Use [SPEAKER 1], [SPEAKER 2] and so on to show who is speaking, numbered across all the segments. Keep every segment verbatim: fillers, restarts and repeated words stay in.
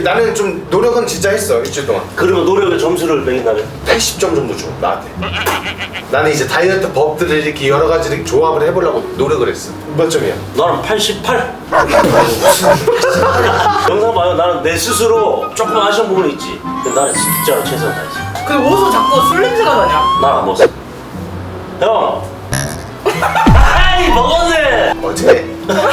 [SPEAKER 1] 나는 좀 노력은 진짜 했어 일주일 동안.
[SPEAKER 2] 그러면 노력의 점수를 매긴다면?
[SPEAKER 1] 팔십 점 정도 줘 나한테. 나는 이제 다이어트 법들을 이렇게 여러 가지를 조합을 해보려고 노력을 했어. 몇 점이야?
[SPEAKER 2] 나는 팔십팔. 영상 봐요. 나는 내 스스로 조금 아쉬운 부분이 있지. 근데 나는 진짜로 최선을 다했어.
[SPEAKER 3] 근데 어디서 자꾸 술 냄새가 나냐?
[SPEAKER 2] 난 안 먹었어. 형. 아이 먹었네.
[SPEAKER 1] 어제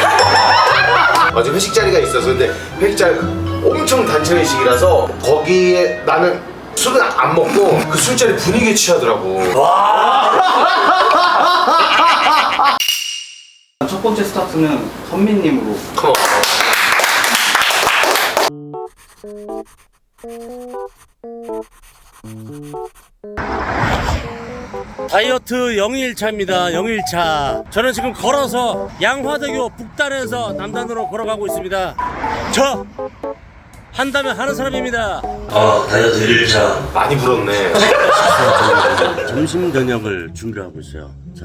[SPEAKER 1] 어제 회식 자리가 있어서 근데 회식 자리 엄청 단체 회식이라서 거기에 나는 술은 안 먹고 그 술자리 분위기에 취하더라고.
[SPEAKER 4] 첫 번째 스타트는 선미님으로.
[SPEAKER 1] 컴온.
[SPEAKER 2] 다이어트 영일차입니다. 영일차. 저는 지금 걸어서 양화대교 북단에서 남단으로 걸어가고 있습니다. 저 한다면 하는 사람입니다. 아 다이어트 일일차.
[SPEAKER 1] 많이 불었네.
[SPEAKER 2] 점심 저녁을 준비하고 있어요. 자.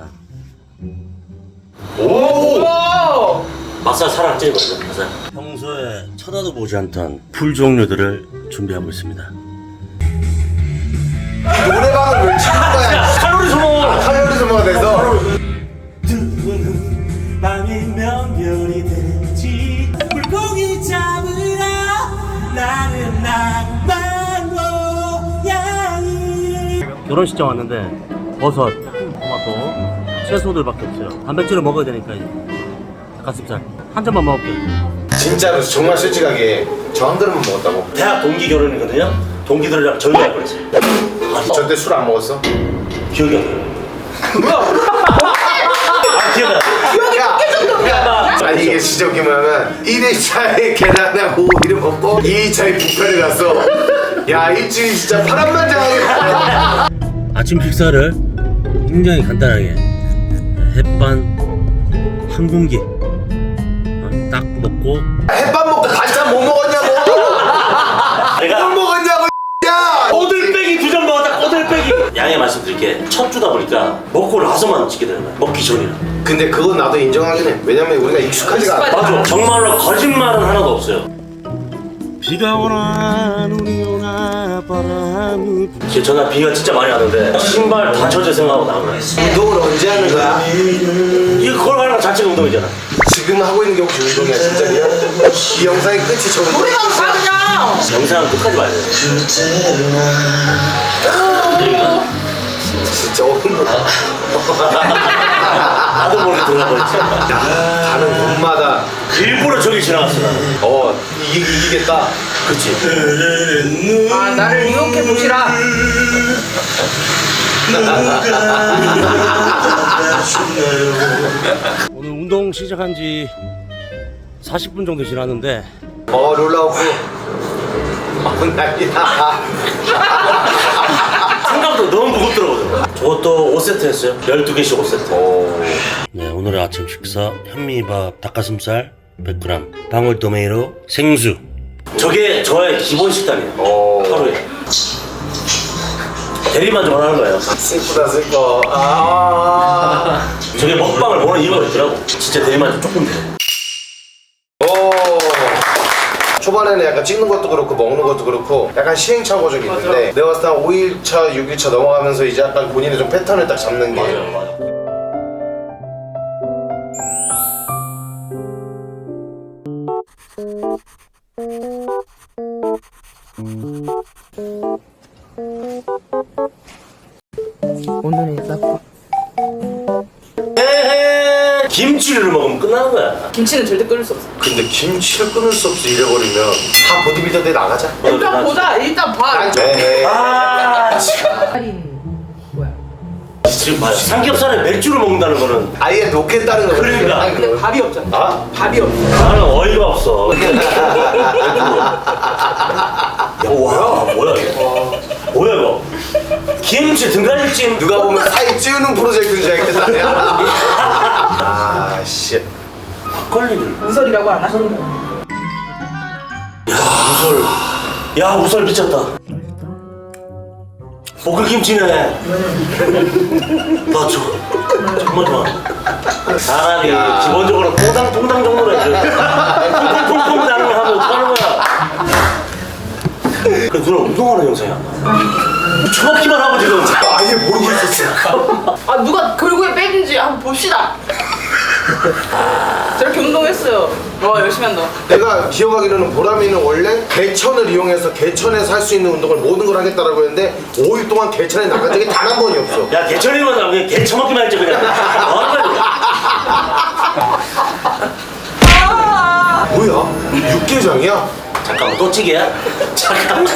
[SPEAKER 1] 오!
[SPEAKER 2] 맛살 살을 찌거든요. 맛살. 평소에 쳐다도 보지 않던 풀 종류들을 준비하고 있습니다.
[SPEAKER 1] 노래방을 왜 치는 거야?
[SPEAKER 2] 칼로리 소모.
[SPEAKER 1] 아, 칼로리 소모가 돼서.
[SPEAKER 2] 밤이면 별이 되지 물고기 잡으러 나는 낭만 고양이. 결혼식장 왔는데 버섯, 토마토, 채소들밖에 없어요. 단백질을 먹어야 되니까 닭가슴살 한 점만 먹을게요.
[SPEAKER 1] 진짜로 정말 솔직하게 저 한 그릇만 먹었다고.
[SPEAKER 2] 대학 동기 결혼이거든요. 동기들이랑 절교할 뻔했어요.
[SPEAKER 1] 저때 술 안 먹었어?
[SPEAKER 2] 기억이 안 나요. 아 기억 안 나요.
[SPEAKER 1] 야, 아니 이게 진짜 웃긴 뭐냐면 일 일차에 계란하고 오이를 먹고 이 일차에 뷔페를 갔어. 야 일주일 진짜 파란만장하게.
[SPEAKER 2] 아침 식사를 굉장히 간단하게 햇반 한 공기 어, 딱 먹고.
[SPEAKER 1] 햇밥 먹고 반찬 뭐 먹었냐고.
[SPEAKER 2] 내가
[SPEAKER 1] 뭘 먹었냐고. 야
[SPEAKER 2] 꼬들빼기 두 점 먹었다. 꼬들빼기. 양해 말씀드릴게. 첫 주다 보니까 먹고 나서만 찍게 되는 거야. 먹기 전이라.
[SPEAKER 1] 근데 그건 나도 인정하긴 해. 왜냐면 우리가 익숙하지가 않아.
[SPEAKER 2] 맞아. 정말로 거짓말은 하나도 없어요. 비가 오나 눈이 오나 바람이. 전날 비가 진짜 많이 왔는데 신발 다 젖을 생각하고 나온 거야.
[SPEAKER 1] 운동을 언제 하는 거야?
[SPEAKER 2] 이거 걸어가는 거 자체가 운동이잖아.
[SPEAKER 1] 지금 하고 있는 게 혹시 운동이야 진짜냐? 이 영상의 끝이 저 운동.
[SPEAKER 3] 노래방 가 그냥.
[SPEAKER 2] 영상은 끝까지 봐야 돼.
[SPEAKER 1] 진짜 어른.
[SPEAKER 2] 나도 모르게 들어가버렸지.
[SPEAKER 1] 가는 곳마다
[SPEAKER 2] 일부러 저기 지나갔어 나는.
[SPEAKER 1] 어 이기, 이기겠다.
[SPEAKER 2] 그치.
[SPEAKER 3] 아 나를 유혹해 보시라.
[SPEAKER 2] 오늘 운동 시작한 지 사십 분 정도 지났는데
[SPEAKER 1] 어 롤라오프. 어 난리다.
[SPEAKER 2] 생각보다 너무 무겁더라고요. 저것도 오 세트 했어요. 열두 개씩 오 세트.
[SPEAKER 1] 오.
[SPEAKER 2] 네, 오늘의 아침 식사 현미밥 닭가슴살 백 그램, 방울토마토, 생수. 저게 저의 기본 식단이에요.
[SPEAKER 1] 오.
[SPEAKER 2] 하루에. 대리만 좀 하는 거예요.
[SPEAKER 1] 슬프다 슬퍼. 아.
[SPEAKER 2] 저게 먹방을 보는 이유가 있더라고. 진짜 대리만 좀 조금 돼.
[SPEAKER 1] 오. 초반에는 약간 찍는 것도 그렇고 먹는 것도 그렇고 약간 시행착오적이 있는데 내가 봤을 때 한 오 일차, 육 일차 넘어가면서 이제 약간 본인의 좀 패턴을 딱 잡는 게.
[SPEAKER 2] 맞아요, 맞아요.
[SPEAKER 3] 오늘은 나빠.
[SPEAKER 2] 에헤, 김치를 먹으면 끝나는 거야.
[SPEAKER 3] 김치는 절대 끓일 수 없어.
[SPEAKER 1] 근데 김치를 끊을 수 없이 잃어버리면 다 보디빌더들 나가자.
[SPEAKER 3] 일단 보자. 일단 봐.
[SPEAKER 1] 네.
[SPEAKER 2] 아,
[SPEAKER 3] 할인 뭐야?
[SPEAKER 2] 지금 봐요. 삼겹살에 맥주를 먹는다는 거는
[SPEAKER 1] 아예 놓겠다는 거.
[SPEAKER 2] 그러니까.
[SPEAKER 3] 근데 밥이 없잖아.
[SPEAKER 1] 아?
[SPEAKER 3] 밥이 없어.
[SPEAKER 2] 나는 어이가 없어. 야, 뭐야? 뭐야 이거? 뭐야 이거? 김치 등갈비찜.
[SPEAKER 1] 누가 보면 사이 찌우는 프로젝트인 줄 알겠다. 아 씨.
[SPEAKER 2] 막걸리를.
[SPEAKER 3] 우설이라고 안 하셔도 돼.
[SPEAKER 2] 야 우설. 야 우설 미쳤다. 볶음김치네. 나 저, 정말 좋아. 사람이
[SPEAKER 1] 야.
[SPEAKER 2] 기본적으로 통당 통당 정도로 해줘. 통통통통 나는 거 하면 어떡하는 거야? 그 누나 운동하는 영상이 안 나와. 정확히만 하고 지금.
[SPEAKER 1] 아예 모르고 있었어.
[SPEAKER 3] 아 누가 결국에 뺀지 한번 봅시다. 저렇게 운동했어요. 와 열심히 한다.
[SPEAKER 1] 내가 기억하기로는 보람이는 원래 개천을 이용해서 개천에서 할 수 있는 운동을 모든 걸 하겠다라고 했는데 오 일 동안 개천에 나간 적이 단 한 번이 없어.
[SPEAKER 2] 야 개천이만 나면 그냥 개 처먹기만 했지 그냥.
[SPEAKER 3] 아
[SPEAKER 1] 뭐야? 육개장이야?
[SPEAKER 2] 잠깐만 또 찌개야? 잠깐만.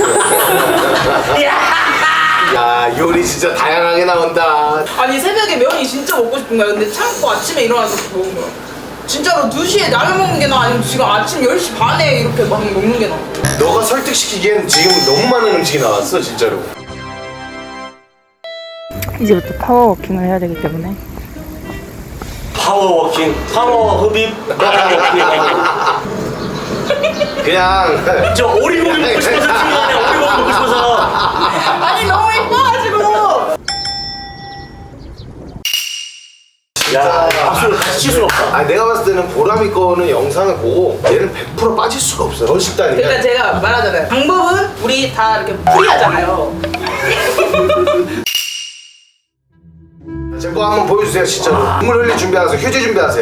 [SPEAKER 1] 야 요리 진짜 다양하게 나온다.
[SPEAKER 3] 아니 새벽에 면이 진짜 먹고 싶은 거야. 근데 참고 아침에 일어나서 먹은 거야. 진짜로 두 시에 라면 먹는 게 나아 아니면 지금 아침 열 시 반에 이렇게 막 먹는 게 나아.
[SPEAKER 1] 너가 설득시키기엔 지금 너무 많은 음식이 나왔어 진짜로.
[SPEAKER 5] 이제부터 파워워킹을 해야 되기 때문에
[SPEAKER 2] 파워워킹, 파워 흡입, 파워워킹.
[SPEAKER 1] 그냥
[SPEAKER 2] 저 오리고기 먹고 싶어서 지금 아니야. 오리고기 먹고 싶어서.
[SPEAKER 3] 아니 너무 예뻐가지고.
[SPEAKER 2] 야, 박수를 같이 칠 수가 없다.
[SPEAKER 1] 아 내가 봤을 때는 보람이 거는 영상을 보고 얘는 백 퍼센트 빠질 수가 없어. 너 식단이야.
[SPEAKER 3] 그러니까 제가 말하잖아요. 방법은 우리 다 이렇게 풀이하잖아요.
[SPEAKER 1] 제 거 한번 보여주세요 진짜로. 눈물 흘릴 준비하세요. 휴지 준비하세요.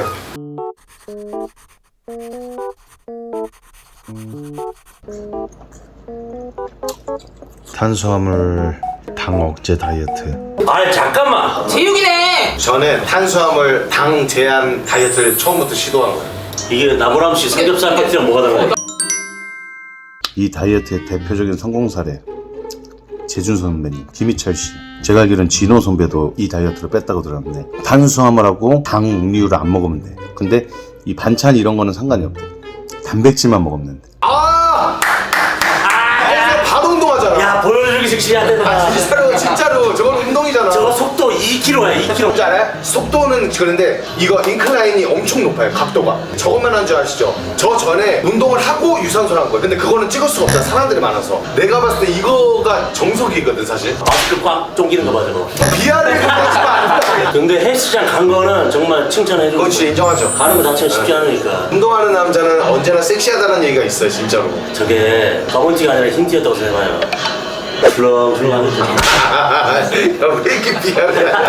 [SPEAKER 1] 탄수화물 당 억제 다이어트.
[SPEAKER 2] 아니 잠깐만.
[SPEAKER 3] 제육이네.
[SPEAKER 1] 저는 탄수화물 당 제한 다이어트를 처음부터 시도한 거예요.
[SPEAKER 2] 이게 나보람 씨 삼겹살 파티랑 뭐가 달라요?
[SPEAKER 6] 이 다이어트의 대표적인 성공 사례 재준 선배님, 김희철 씨. 제가 알기로는 진호 선배도 이 다이어트를 뺐다고 들었는데 단수화물하고 당 음료를 안 먹으면 돼. 근데 이 반찬 이런 거는 상관이 없대. 단백질만 먹으면 돼.
[SPEAKER 1] 아! 아! 바로 운동하잖아.
[SPEAKER 2] 야 보여주기 식신이 안 된다.
[SPEAKER 1] 아, 진짜로 진짜로 저건 운동이잖아.
[SPEAKER 2] 저거 속도 이 킬로미터야 이 킬로미터.
[SPEAKER 1] 뭔지 알아요? 속도는 그런데 이거 인클라인이 엄청 높아요. 각도가. 저것만 한 줄 아시죠? 저 전에 운동을 하고 유산소를 한 거예요. 근데 그거는 찍을 수가 없잖아. 사람들이 많아서. 내가 봤을 때 이거가 정석이거든 사실.
[SPEAKER 2] 마스크 꽉 쫑기는 거 봐 저거.
[SPEAKER 1] 비하를 하지 마.
[SPEAKER 2] 근데 헬스장 간 거는 정말 칭찬해주고.
[SPEAKER 1] 그건 진짜 인정하죠.
[SPEAKER 2] 가는 거 자체가 쉽지 않으니까.
[SPEAKER 1] 운동하는 남자는 언제나 섹시하다는 얘기가 있어요 진짜로.
[SPEAKER 2] 저게 검은티가 아니라 흰티였다고 생각해요. 출렁출렁하겠죠.
[SPEAKER 1] 왜 이렇게 비하를 하냐.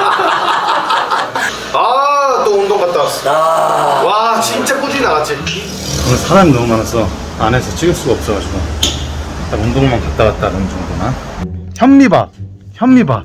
[SPEAKER 1] 아또 운동 갔다 왔어.
[SPEAKER 2] 아,
[SPEAKER 1] 와 진짜 꾸준히 나갔지.
[SPEAKER 6] 오늘 사람이 너무 많아서 안에서 찍을 수가 없어가지고 딱 운동만 갔다 왔다 하는 정도나. 현미밥, 현미밥.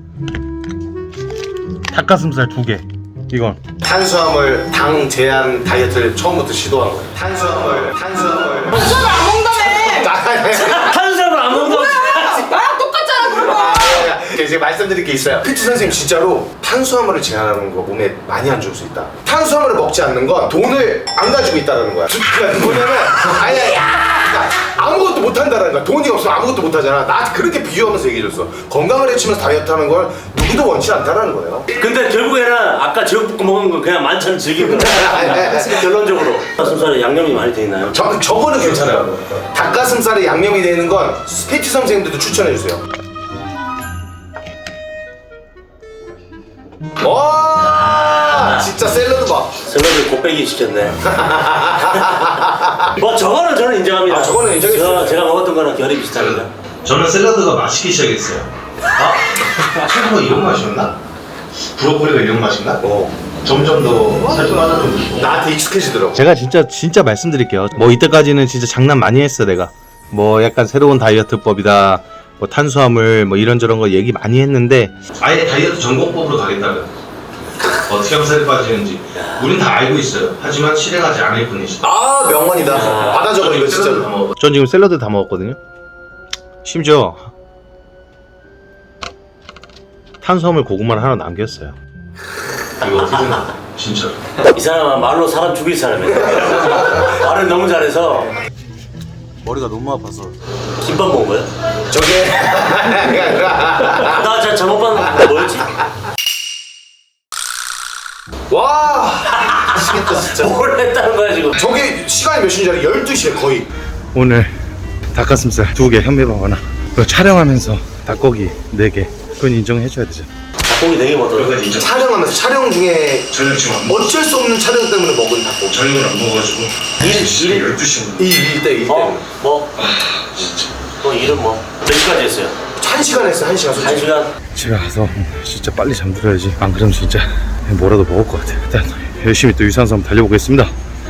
[SPEAKER 6] 닭가슴살 두 개. 이건
[SPEAKER 1] 탄수화물 당 제한 다이어트를 처음부터 시도한 거예요. 탄수화물, 탄수화물.
[SPEAKER 3] 저는 안 먹는다며.
[SPEAKER 2] 탄수화물 안 먹는다고.
[SPEAKER 3] 나랑 똑같잖아 그러면.
[SPEAKER 1] 이제 말씀드릴 게 있어요. 피트 선생님 진짜로 탄수화물을 제한하는 거 몸에 많이 안 좋을 수 있다. 탄수화물을 먹지 않는 건 돈을 안 가지고 있다는 거야. 그러니까 뭐냐면 아니 아니 그러니까 아무것도 못 한다는 거야. 돈이 없으면 아무것도 못 하잖아. 나한테 그렇게 비유하면서 얘기해줬어. 건강을 해치면서 다이어트 하는 걸 누구도 원치 않다는 거예요.
[SPEAKER 2] 근데 결국에는 아까 제육볶음 먹은 거 그냥 만찬 즐긴 거야. 결론적으로. 닭가슴살에 양념이 많이 돼 있나요?
[SPEAKER 1] 저, 저거는 괜찮아요. 닭가슴살에 양념이 되는 건 피트 선생님들도 추천해주세요. 와 진짜 샐러드 봐.
[SPEAKER 2] 샐러드 곱빼기 시켰네. 뭐 저거는 저는 인정합니다.
[SPEAKER 1] 아, 저거는 인정했어요.
[SPEAKER 2] 저, 제가 먹었던 거랑 결이 비슷합니다.
[SPEAKER 7] 저는 샐러드가 맛있기 시작했어요. 아? 채소가 이런 맛이었나? 브로콜리가 이런 맛인가?
[SPEAKER 1] 어.
[SPEAKER 7] 점점 더 살좀 빠져들고.
[SPEAKER 1] 나한테 익숙해지더라고.
[SPEAKER 6] 제가 진짜 진짜 말씀드릴게요. 뭐 이때까지는 진짜 장난 많이 했어 내가. 뭐 약간 새로운 다이어트법이다. 뭐 탄수화물 뭐 이런저런 거 얘기 많이 했는데
[SPEAKER 7] 아예 다이어트 전공법으로 가겠다면 어떻게 하면 살이 빠지는지 우린 다 알고 있어요. 하지만 실행하지 않을 뿐이지.
[SPEAKER 1] 아 명언이다. 받아 적어 이거
[SPEAKER 7] 샐러드 다
[SPEAKER 1] 진짜로.
[SPEAKER 7] 먹어.
[SPEAKER 6] 전 지금 샐러드 다 먹었거든요. 심지어 탄수화물 고구마를 하나 남겼어요.
[SPEAKER 7] 이거 어떻게 생각해? 진짜로.
[SPEAKER 2] 이 사람은 말로 사람 죽일 사람이야. 말을 너무 잘해서.
[SPEAKER 6] 머리가 너무 아파서.
[SPEAKER 2] 김밥 먹은 거야?
[SPEAKER 1] 저게
[SPEAKER 2] 나 진짜 잘못 봤는데 뭐였지?
[SPEAKER 1] 와 미치겠다 진짜.
[SPEAKER 2] 뭘 했다는 거야 지금?
[SPEAKER 1] 저게 시간이 몇 시인 줄 알아? 열두 시에 거의.
[SPEAKER 6] 오늘 닭가슴살 두 개, 현미밥 하나. 그리고 촬영하면서 닭고기 네 개. 그건 인정해줘야 되죠.
[SPEAKER 2] 닭고기 네개 먹더라고.
[SPEAKER 7] 여기까지 인정.
[SPEAKER 1] 촬영하면서 촬영 중에
[SPEAKER 7] 저녁 지금 안 먹어.
[SPEAKER 1] 어쩔 수 없는 촬영 때문에 먹은 닭고기.
[SPEAKER 7] 저녁을 안 먹어가지고
[SPEAKER 2] 일, 일.
[SPEAKER 7] 열두 시
[SPEAKER 1] 이 일 때 일 때.
[SPEAKER 2] 어? 뭐?
[SPEAKER 7] 진짜
[SPEAKER 2] 또 일은 뭐 몇 시까지 했어요?
[SPEAKER 1] 한 시간 했어, 한 시간
[SPEAKER 2] 한
[SPEAKER 1] 솔직히.
[SPEAKER 2] 시간?
[SPEAKER 6] 집에 가서 진짜 빨리 잠들어야지. 안 그러면 진짜 뭐라도 먹을 것 같아. 일단 열심히 또 유산소 한번 달려보겠습니다.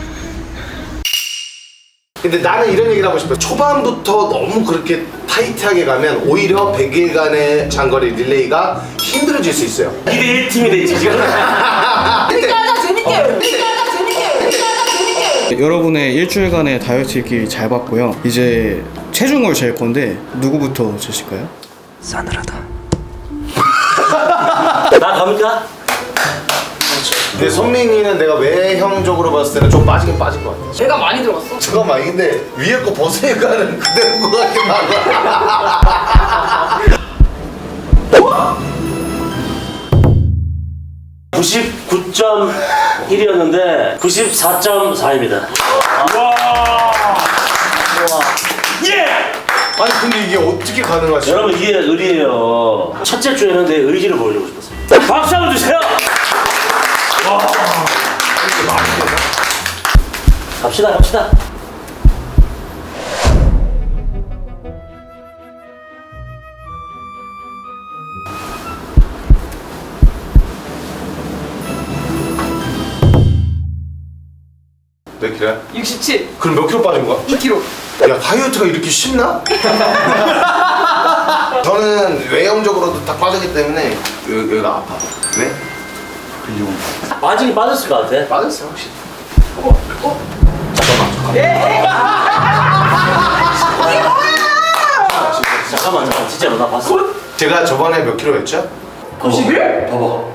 [SPEAKER 1] 근데 나는 이런 얘기를 하고 싶어. 초반부터 너무 그렇게 타이트하게 가면 오히려 백 일간의 장거리 릴레이가 힘들어질 수 있어요.
[SPEAKER 2] 이 대 일 팀이 됐지 지금.
[SPEAKER 3] 재밌게 하자 재밌게. 재밌게 하자 재밌게. 재밌게 하자 재밌게.
[SPEAKER 4] 여러분의 일주일간의 다이어트 일기 잘 봤고요. 이제 체중을 잴 건데 누구부터 재실까요?
[SPEAKER 2] 나 갑니까?
[SPEAKER 1] 근데 선민이는 내가 외형적으로 봤을 때는 좀 빠지긴 빠진 것 같아.
[SPEAKER 3] 제가 많이 들어갔어.
[SPEAKER 1] 잠깐만, 근데 위에 거 벗으니까는 그대로인 것 같긴 하고.
[SPEAKER 2] 구십구 점 일이었는데 구십사 점 사입니다. 와. 예!
[SPEAKER 1] 아니 근데 이게 어떻게 가능하지?
[SPEAKER 2] 여러분 이게 의리예요. 첫째 주에는 내 의지를 보여주고 싶었어요. 박수 한번 주세요. 와. 갑시다 갑시다.
[SPEAKER 1] 몇 킬로야?
[SPEAKER 3] 육십칠.
[SPEAKER 1] 그럼 몇 킬로 빠진 거야?
[SPEAKER 3] 이 킬로그램.
[SPEAKER 1] 야, 다이어트가 이렇게 쉽나? 저는 외형적으로도 다 빠졌기 때문에 여기, 여기가 아파. 왜? 근육
[SPEAKER 2] 빠지긴 빠졌을 것 같아.
[SPEAKER 1] 빠졌어요 확실히.
[SPEAKER 2] 잠깐만 잠깐 진짜로 나 봤어.
[SPEAKER 1] 제가 저번에 몇 킬로였죠?
[SPEAKER 3] 구십일?
[SPEAKER 2] 봐봐.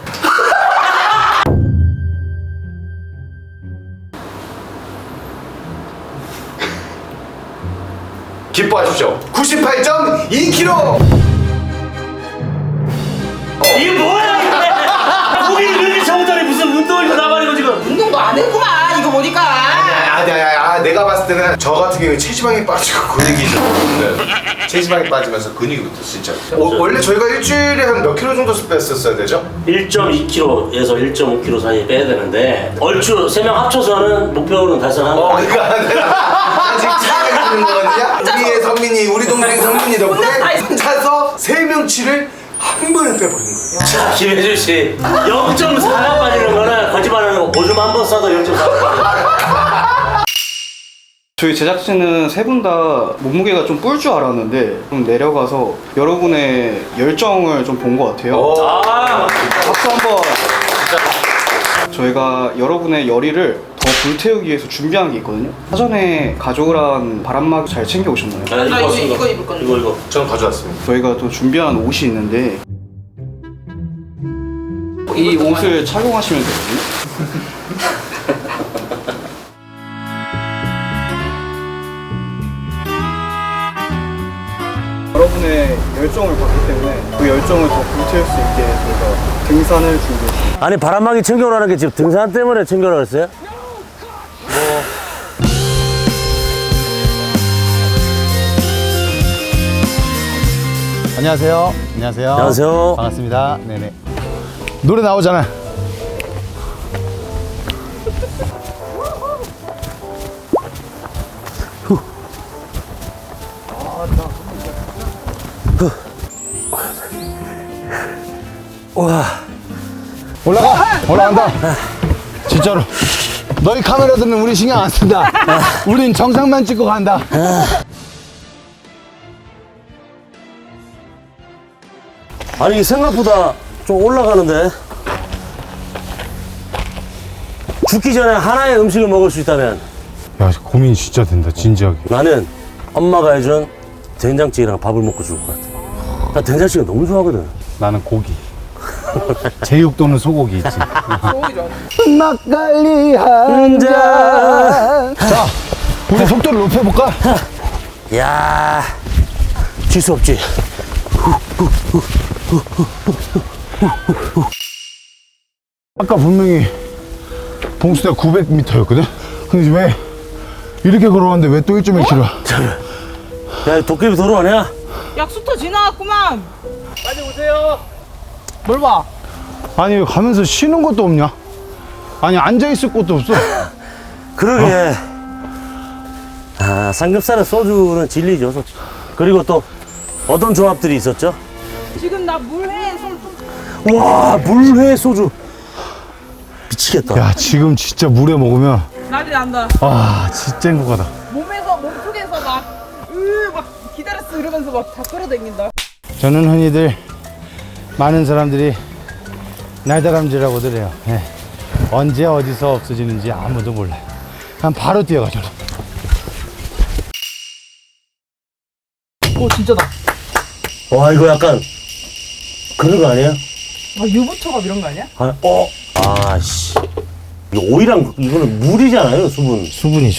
[SPEAKER 1] 기뻐하십시오. 구십팔 점 이 킬로그램.
[SPEAKER 2] 이게 뭐야 이게? 고기 이렇게 정전이 무슨 운동을 다 나발이고 지금.
[SPEAKER 3] 운동도 안 했구만 이거 보니까.
[SPEAKER 1] 아, 아, 아, 아, 내가 봤을 때는 저 같은 경우에 체지방이 빠지고 근육이 좀 붙는. 체지방이 빠지면서 근육이 붙어 진짜. 어, 원래 저희가 일주일에 한 몇 킬로 정도 뺐었어야 되죠?
[SPEAKER 2] 일 점 이 킬로그램에서 일 점 오 킬로그램 사이에 빼야 되는데 얼추 세 명 합쳐서는 목표는 달성한
[SPEAKER 1] 어,
[SPEAKER 2] 거.
[SPEAKER 1] 그러니까 내가 아직 차이가 있는 거거든요. 우리의 성민이, 우리 동생 성민이 덕분에 혼자서 세 명치를 한 번에 빼버린 거예요.
[SPEAKER 2] 자, 김혜준 씨 영 점 사가 빠지는 거는 거짓말하는 거 오줌 한 번 싸도 영 점 사가 빠져.
[SPEAKER 4] 저희 제작진은 세 분 다 몸무게가 좀 뿔 줄 알았는데 좀 내려가서 여러분의 열정을 좀 본 것 같아요.
[SPEAKER 1] 어.
[SPEAKER 2] 아,
[SPEAKER 4] 박수 한번. 저희가 여러분의 열의를 더 불태우기 위해서 준비한 게 있거든요. 사전에 가져오란 바람막 잘 챙겨 오셨나요?
[SPEAKER 2] 나
[SPEAKER 3] 나 이거,
[SPEAKER 2] 왔습니다.
[SPEAKER 3] 이거 입을 건데.
[SPEAKER 2] 이거 이거.
[SPEAKER 1] 저는 가져왔습니다.
[SPEAKER 4] 저희가 또 준비한 옷이 있는데 이 옷을 착용하시면 되거든요. 여러분의 열정을 봤기 때문에 그 열정을 더 불태울 수 있게 저희가 등산을 준비했습니다.
[SPEAKER 2] 아니 바람막이 챙겨오라는 게 지금 등산 때문에 챙겨오라 그랬어요?
[SPEAKER 8] 안녕하세요. 안녕하세요.
[SPEAKER 2] 안녕하세요.
[SPEAKER 8] 반갑습니다. 네네. 노래 나오잖아.
[SPEAKER 2] 와.
[SPEAKER 8] 올라가. 올라간다. 진짜로. 너희 카메라들은 우리 신경 안 쓴다. 우린 정상만 찍고 간다.
[SPEAKER 2] 아니 생각보다 좀 올라가는데 죽기 전에 하나의 음식을 먹을 수 있다면
[SPEAKER 8] 야, 고민 진짜 된다. 진지하게.
[SPEAKER 2] 나는 엄마가 해준 된장찌개랑 밥을 먹고 죽을 것 같아. 나 된장찌개 너무 좋아하거든.
[SPEAKER 8] 나는 고기. 제육 또는 소고기 있지.
[SPEAKER 3] 소고기 좋아.
[SPEAKER 8] 막걸리 한 잔. 자, 우리 속도를 높여볼까?
[SPEAKER 2] 야, 질 수 없지.
[SPEAKER 8] 아까 분명히 봉수대가 구백 미터였거든? 근데 왜 이렇게 걸어왔는데 왜 또 일 점 일 킬로미터?
[SPEAKER 2] 야, 도깨비 도로 아니야?
[SPEAKER 3] 약수터 지나갔구만.
[SPEAKER 8] 뭘 봐? 아니 왜 가면서 쉬는 것도 없냐? 아니 앉아있을 곳도 없어.
[SPEAKER 2] 그러게. 아, 삼겹살에 소주는 진리죠, 솔직히. 그리고 또 어떤 조합들이 있었죠?
[SPEAKER 3] 지금 나 물회 손
[SPEAKER 2] 와, 물회 소주. 미치겠다.
[SPEAKER 8] 야 지금 진짜 물에 먹으면
[SPEAKER 3] 난리 난다.
[SPEAKER 8] 아 진짜 행복하다.
[SPEAKER 3] 몸에서 몸속에서 막으막 기다렸어 이러면서 막 다 끌어당긴다.
[SPEAKER 8] 저는 흔히들 많은 사람들이 날다람쥐라고들 해요. 예. 언제 어디서 없어지는지 아무도 몰라요. 그냥 바로 뛰어가죠.
[SPEAKER 3] 오 진짜다.
[SPEAKER 2] 와, 이거 약간 그런 거 아니야?
[SPEAKER 3] 막 유부초밥 이런 거 아니야?
[SPEAKER 2] 아, 어? 아, 씨. 이거 오이랑 이거는 물이잖아요, 수분.
[SPEAKER 8] 수분이죠.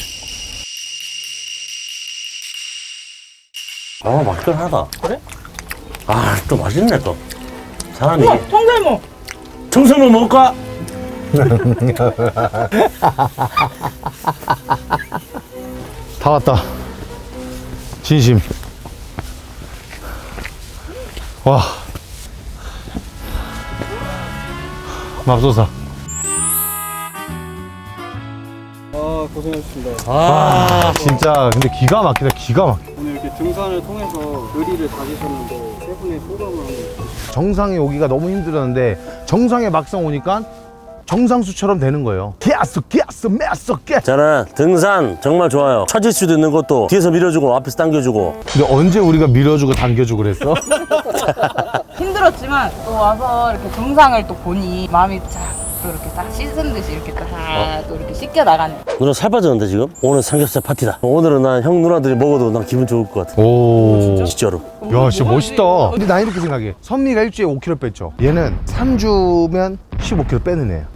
[SPEAKER 2] 아, 맛있긴 하다. 그래? 아, 또 맛있네, 또. 사람이.
[SPEAKER 3] 우와 통살모.
[SPEAKER 2] 청소년 먹을까?
[SPEAKER 8] 다 왔다. 진심. 와. 맙소사.
[SPEAKER 4] 아 고생하셨습니다.
[SPEAKER 2] 아,
[SPEAKER 8] 진짜 근데 기가 막히다. 기가 막혀.
[SPEAKER 4] 오늘 이렇게 등산을 통해서 의리를 다지셨는데 세 분의 소감을 한번
[SPEAKER 8] 정상에 오기가 너무 힘들었는데 정상에 막상 오니까 정상수처럼 되는 거예요. 기아스 기아스 메스 기.
[SPEAKER 2] 저는 등산 정말 좋아요. 처질 수도 있는 것도 뒤에서 밀어주고 앞에서 당겨주고.
[SPEAKER 8] 근데 언제 우리가 밀어주고 당겨주고 그랬어?
[SPEAKER 3] 힘들었지만 또 와서 이렇게 정상을 또 보니 마음이 쫙 또 이렇게 딱 씻은 듯이 이렇게 딱 또 이렇게 씻겨 나가네.
[SPEAKER 2] 누나 살 빠졌는데 지금? 오늘 삼겹살 파티다. 오늘은 난 형 누나들이 먹어도 난 기분 좋을 것 같아.
[SPEAKER 8] 오.
[SPEAKER 2] 진짜로.
[SPEAKER 8] 야, 진짜 멋있다. 근데 나 이렇게 생각해. 선미가 일주일에 오 킬로그램 뺐죠. 얘는 삼 주면 십오 킬로그램 빼는 애야.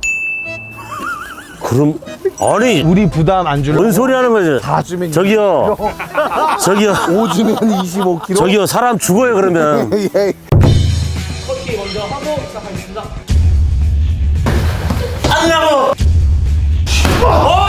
[SPEAKER 2] 그럼 아니
[SPEAKER 8] 우리 부담 안 주려고.
[SPEAKER 2] 뭔 소리 하는 거지?
[SPEAKER 8] 다 주면
[SPEAKER 2] 저기요. 저기요.
[SPEAKER 8] 오 주면 이십오 킬로그램.
[SPEAKER 2] 저기요. 사람 죽어요 그러면.
[SPEAKER 8] 예.
[SPEAKER 3] 커피 먼저 하고 시작하겠습니다.
[SPEAKER 2] 아니라고. 어!